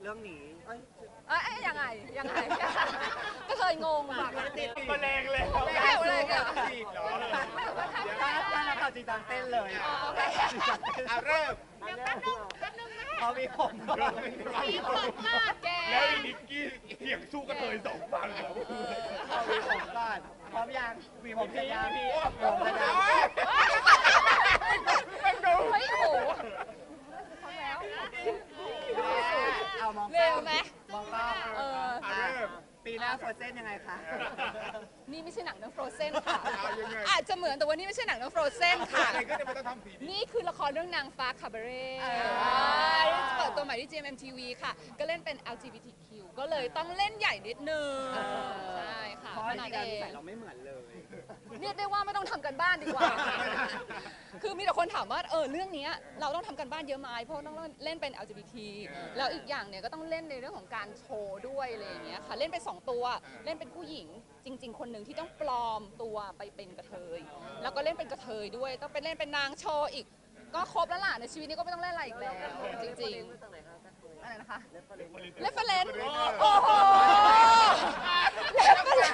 เรื่องนี้ยังไงก็เคยงงอ่ะติดมาแรงเลยไม่เห็นเลยเหรอจีบเหรอถ้านักข่าวจริงจังเต้นเลยเริ่มเขามีผมแล้วนิกกี้เสียงสู้กระเทย2 ฝั่งแล้วเขามีผมก่อนพร้อมยังมีผมเสร็จยังผมเสร็จยังเฮ้ยโหเอามองเร็วไหมมองกล้องปีหน้าโฟรเซนยังไงคะนี่ไม่ใช่หนังเรื่อง Frozen ค่ะอาจจะเหมือนแต่ว่านี่ไม่ใช่หนังเรื่อง Frozen ค่ะนี่คือละครเรื่องนางฟ้าคาบาเร่เปิดตัวใหม่ที่ GMMTV ค่ะก็เล่นเป็น LGBTQ ก็เลยต้องเล่นใหญ่นิดนึงใช่ค่ะเพราะในการใส่เราไม่เหมือนเลยเรียกได้ว่าไม่ต้องทำกันบ้านดีกว่าคือมีแต่คนถามว่าเรื่องนี้เราต้องทำกันบ้านเยอะไหมเพราะต้องเล่นเป็น LGBT แล้วอีกอย่างเนี่ยก็ต้องเล่นในเรื่องของการโชว์ด้วยอะไรอย่างเงี้ยค่ะเล่นเป็น2 ตัวเล่นเป็นผู้หญิงจริงๆคนหนึ่งที่ต้องปลอมตัวไปเป็นกระเทยแล้วก็เล่นเป็นกระเทยด้วยต้องไปเล่นเป็นนางโชว์อีกก็ครบแล้วล่ะในชีวิตนี้ก็ไม่ต้องเล่นอะไรอีกแล้วจริงๆอะไรนะคะเรฟเฟรนซ์โอ้โหเรฟเฟรนซ์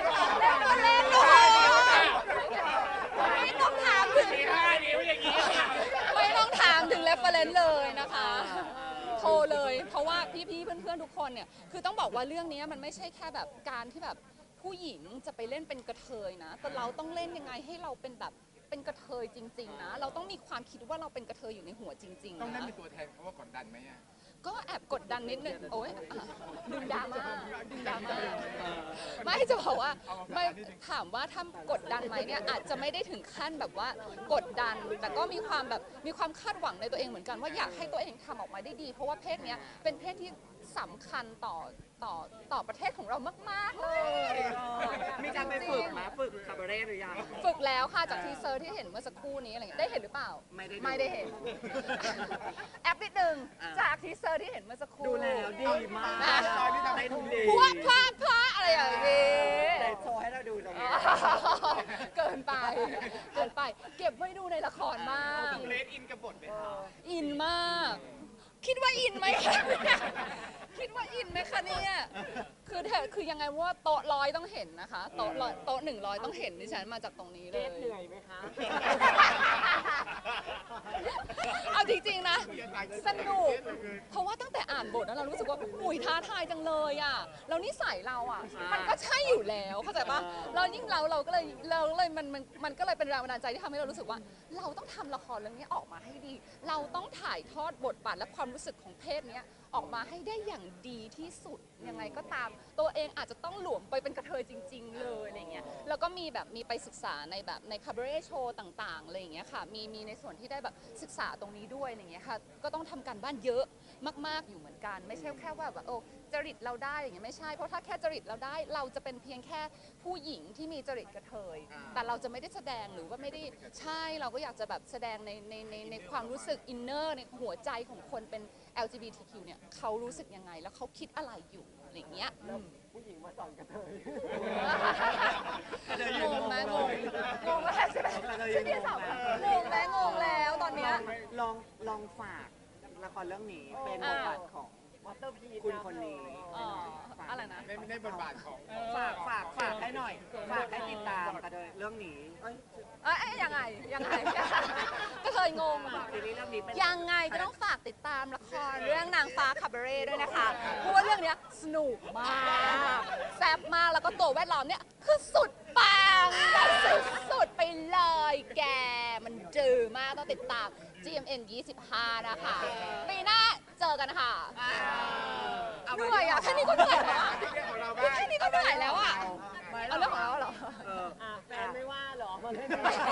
ไม่ต้องถามถึงไม่ต้องถามถึงเรฟเฟรนซ์เลยนะคะโทรเลยเพราะว่าพี่ๆเพื่อนๆทุกคนเนี่ยคือต้องบอกว่าเรื่องนี้มันไม่ใช่แค่แบบการที่แบบผู้หญิงจะไปเล่นเป็นกระเทยนะแต่เราต้องเล่นยังไงให้เราเป็นแบบเป็นกระเทยจริงๆนะเราต้องมีความคิดว่าเราเป็นกระเทยอยู่ในหัวจริงๆต้องเล่นเป็นตัวแทนเขาว่ากดดันไหมอ่ะก็แอบกดดันนิดนึงโอ้ยดึงดราม่าไม่จะบอกว่าไม่ถามว่าถ้ากดดันไหมเนี่ยอาจจะไม่ได้ถึงขั้นแบบว่ากดดันแต่ก็มีความแบบมีความคาดหวังในตัวเองเหมือนกันว่าอยากให้ตัวเองทำออกมาได้ดีเพราะว่าเพศเนี้ยเป็นเพศที่สำคัญต่อประเทศของเรามากๆเลยมีการไปฝึกมาฝึกคาบาเร่หรือยังฝึกแล้วค่ะจากทีเซอร์ที่เห็นเมื่อสักครู่นี้อะไรเงี้ยได้เห็นหรือเปล่าไม่ได้เห็นแอปนิดนึงจากทีเซอร์ที่เห็นเมื่อสักครู่ดูแล้วดีมากตอนนี้ทำให้ดูดีพลาอะไรอย่างนี้แต่โชว์ให้เราดูตรงนี้เกินไปเก็บไว้ดูในละครมากเลดอินกับบทไหมคะอินมากคิดว่าอินไหมคะคิดว่าอินไหมคะเนี่ยคือยังไงว่าโต๊ะ100ต้องเห็นนะคะโต๊ะ100ต้องเห็นดิฉันมาจากตรงนี้เลยเหนื่อยไหมคะเอาจริงๆนะสนุกเพราะว่าตั้งแต่อ่านบทแล้วเรารู้สึกว่าอุ้ยท้าทายจังเลยอ่ะแล้วนิสัยเราอ่ะมันก็ใช่อยู่แล้วเข้าใจปะเรายิ่งเราก็เลยมันก็เลยเป็นแรงบันดาลใจที่ทำให้เรารู้สึกว่าเราต้องทำละครเรื่องนี้ออกมาให้ดีเราต้องถ่ายทอดบทบาทและความรู้สึกของเพศนี้ออกมาให้ได้อย่างดีที่สุดยังไงก็ตามตัวเองอาจจะต้องหลวมไปเป็นกระเทยจริงๆเลยอะไรเงี้ยแล้วก็มีไปศึกษาในแบบในคาบาเร่โชว์ต่างๆอะไรอย่างเงี้ยค่ะมีในส่วนที่ได้แบบศึกษาตรงนี้ด้วยอะไรเงี้ยค่ะก็ต้องทำการบ้านเยอะมากๆอยู่เหมือนกันไม่ใช่แค่ว่าแบบจริตเราได้อย่างเงี้ยไม่ใช่เพราะถ้าแค่จริตเราได้เราจะเป็นเพียงแค่ผู้หญิงที่มีจริตกระเทยแต่เราจะไม่ได้แสดงหรือว่าไม่ได้ใช่เราก็อยากจะแบบแสดงในความรู้สึกอินเนอร์ในหัวใจของคนเป็น LGBTQ เนี่ยเขารู้สึกยังไงแล้วเขาคิดอะไรอยู่อะไรเงี้ยผู้หญิงมาสอนกระเทยงงไหมงงแล้วใช่ไหมฉันเนี่ยสาวงงแล้วตอนเนี้ยลองฝากละครเรื่องนี้เป็นบทบาทของคุณคนนี้อะไรนะในบทบาทของฝากให้หน่อยฝากให้ติดตามกันเลยเรื่องนี้ยังไงก็เคยงงยังไงก็ต้องฝากติดตามละครเรื่องนางฟ้าคาบาเร่ด้วยนะคะเพราะว่าเรื่องนี้สนุกมากแซ่บมากแล้วก็ตัวแวดล้อมเนี่ยคือสุดปังสุดไปเลยแกมันจืดมากต้องติดตาม GMM 25นะคะปีหน้าเจอกันค่ะเหนื่อยอ่ะแค่นี้ก็เหนื่อยแล้วแค่นี้ก็เหนื่อยแล้วอ่ะเอาเรื่องของเราเหรอแฟนไม่ว่าหรอมันไม่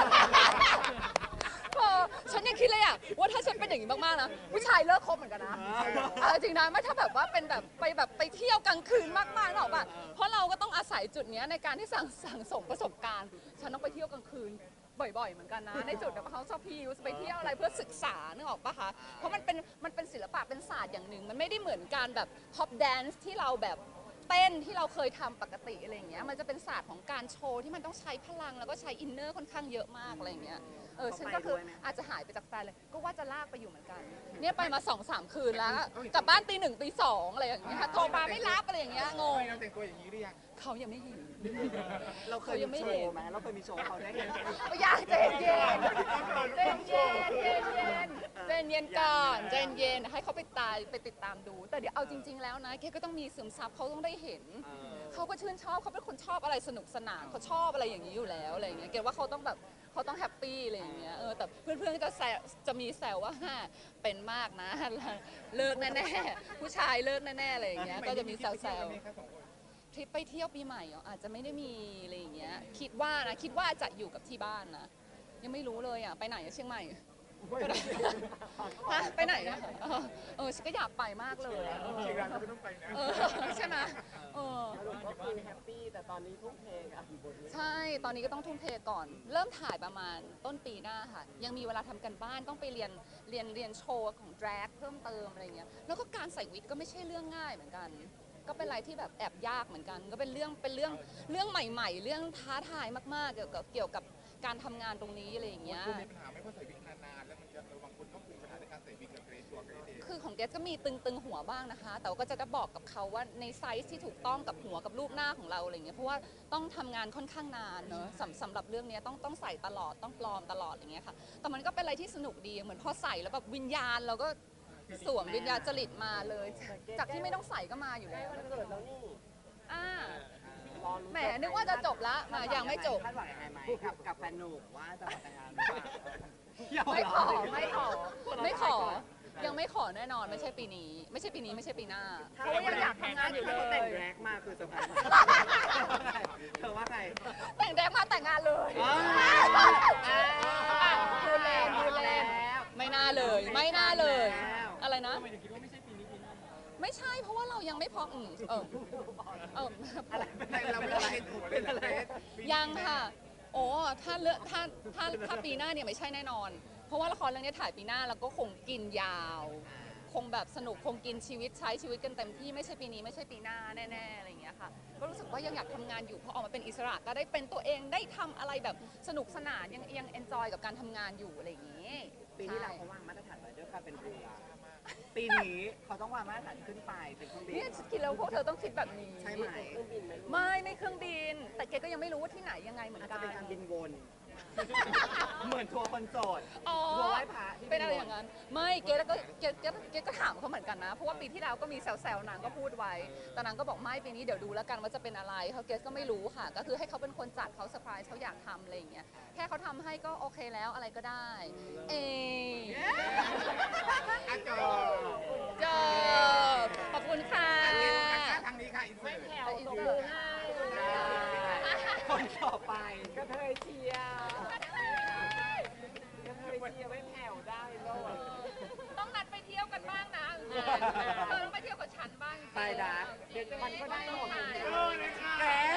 ฉันยังคิดเลยอ่ะว่าถ้าฉันเป็นอย่างนี้มากๆนะผู้ชายเลิกคบเหมือนกันนะจริงนะไม่ถ้าแบบว่าเป็นแบบไปเที่ยวกลางคืนมากๆหรอกป่ะเพราะเราก็ต้องอาศัยจุดนี้ในการที่สั่งสมประสบการณ์ฉันต้องไปเที่ยวกลางคืนบ่อยๆเหมือนกันนะในจุดแบบเขาชอบพิวไปเที่ยวอะไรเพื่อศึกษานึกออกปะคะเพราะมันเป็นศิลปะเป็นศาสตร์อย่างหนึ่งมันไม่ได้เหมือนการแบบพ็อปแดนซ์ที่เราแบบเต้นที่เราเคยทำปกติอะไรอย่างเงี้ยมันจะเป็นศาสตร์ของการโชว์ที่มันต้องใช้พลังแล้วก็ใช้อินเนอร์ค่อนข้างเยอะมากอะไรอย่างเงี้ยฉันก็คืออาจจะหายไปจากแฟนเลย ก็ว่าจะลากไปอยู่เหมือนกัน เนี่ยไปมา2-3 คืนแล้ว กลับบ้านตี 1ตี 2อะไรอย่างเงี้ยโทรมาไม่รับอะไรอย่างเงี้ยงงเราแต่งตัวอย่างนี้หรือยังเขายังไม่เห็นเราเคยมีโชว์ไหมเราเคยมีโชว์เขาได้เห็นไหมอยากเจนเย็นเจนเย็นเจนเย็นเจนเย็นก่อนเจนเย็นให้เขาไปติดตามดู แต่เดี๋ยวเอาจริง ๆ แล้วนะเกก็ต้องมีซึมซับเขาต้องได้เห็น เขาก็ชื่นชอบเขาเป็นคนชอบอะไรสนุกสนานเขาชอบอะไรอย่างนี้อยู่แล้วอะไรอย่างเงี้ยเกว่าเขาต้องแบบเขาต้องแฮปปี้อะไรอย่างเงี้ยแต่เพื่อนๆก็จะมีแซวว่าเป็นมากนะเลิกแน่ๆผู้ชายเลิกแน่ๆอะไรอย่างเงี้ยก็จะมีแซวๆทริปไปเที่ยวปีใหม่อาจจะไม่ได้มีอะไรอย่างเงี้ยคิดว่าจะอยู่กับที่บ้านนะยังไม่รู้เลยไปไหนเชียงใหม่ไปไหนนะฉันก็อยากไปมากเลยเชียงรายก็ไม่ต้องไปนะใช่ไหมสรุปก็คือแฮปปี้แต่ตอนนี้ทุ่มเทกับบทนี้ใช่ตอนนี้ก็ต้องทุ่มเทก่อน เริ่มถ่ายประมาณต้นปีหน้าค่ะยังมีเวลาทำกันบ้านต้องไปเรียนโชว์ของแดรกเพิ่มเติมอะไรเงี้ยแล้วก็การใส่วิกก็ไม่ใช่เรื่องง่ายเหมือนกัน ก็เป็นอะไรที่แบบแอบยากเหมือนกัน ก็เป็นเรื่องใหม่ๆ เรื่องท้าทายมากๆเกี่ยวกับการทำงานตรงนี้อะไรอย่างเงี้ยคุณมีปัญหาไหมเพราะใส่วิกนานๆแล้วมันจะบางคนต้องมีปัญหาในการใส่วิกกับเกรซตัวเกรซเองคือของเกสก็มีตึงหัวบ้างนะคะ แต่ว่าก็จะได้บอกกับเขาว่าในไซส์ที่ถูกต้องกับหัวกับรูปหน้าของเราอะไรเงี้ยเพราะว่าต้องทำงานค่อนข้างนานเนอะสำหรับเรื่องนี้ต้องใส่ตลอดต้องปลอมตลอดอย่างเงี้ยค่ะแต่มันก็เป็นอะไรที่สนุกดีเหมือนพอใส่แล้วแบบวิญญาณเราก็สวมวิญญาณจริตมาเลย จากที่ไม่ต้องใส่ก็มาอยู่แล้วมันเกิดแล้วนี่แหมนึกว่าจะจบละมายังไม่จบคาดหวังยังไงไหมกับแฟนหนุ่มว่าจะมาแต่งงานหรือเปล่าไม่ขอยังไม่ขอแน่นอนไม่ใช่ปีนี้ไม่ใช่ปีหน้าเพราะว่ายังอยากทำงานอยู่เลถ้าเขาแต่งยแรกมาคือเซอร์ไพรส์เธอว่าไงแต่งแดงมาแต่งงานเลย พูดเล่นไม่น่าเลยอะไรนะไม่ใช่เพราะว่าเรายังไม่พร้อมเราไม่ได้ถูกเลยนะเกรซยังค่ะโอ้ถ้าปีหน้าเนี่ยไม่ใช่แน่นอน เพราะว่าละครเรื่องนี้ถ่ายปีหน้าแล้วก็คงกินยาว คงแบบสนุกคงกินชีวิตใช้ชีวิตกันเต็มที่ไม่ใช่ปีนี้ไม่ใช่ปีหน้าแน่ๆอะไรอย่างเงี้ยค่ะก็รู้สึกว่ายังอยากทำงานอยู่พอออกมาเป็นอิสระก็ได้เป็นตัวเองได้ทำอะไรแบบสนุกสนานยังเอนจอยกับการทำงานอยู่อะไรอย่างเงี้ยปีที่แล้วเขาวางมาตรฐานไว้ด้วยการเป็นเรือปีนี้เขาต้องวางมาตรฐานขึ้นไปเป็นเครื่องบินเนี่ยคิดแล้วพวกเธอต้องคิดแบบนี้ใช่ไหมไม่เครื่องบิน แต่เกก็ยังไม่รู้ว่าที่ไหนยังไงเหมือนอาจกัจะนเป็นการบินวน เหมือนทัวร์คนโสดอ๋อทัวร์ไหว้พระที่เป็นอะไรอย่างนั้นไม่เกก็ถามเขาเหมือนกันนะเพราะว่าปีที่แล้วก็มีแซวๆนางก็พูดไว้แต่นางก็บอกไม่ปีนี้เดี๋ยวดูแล้วกันว่าจะเป็นอะไรเขาเกสก็ไม่รู้ค่ะ ก็คือให้เขาเป็นคนจัดเขาเซอร์ไพรส์เขาอยากทำอะไรอย่างเงี้ยแค่เขาทำให้ก็โอเคแล้วอะไรก็ได้อาจอจบขอบคุณค่ะทางนี้ค่ะอินเสิร์ตอินเสิร์ตให้คนต่อไปก็เทยเชียร์ก็เทยเชียร์ไม่แผ่วได้โลดต้องนัดไปเที่ยวกันบ้างนะต้องไปเที่ยวกับฉันบ้างไปดักมันก็ได้หมดถ่ายแก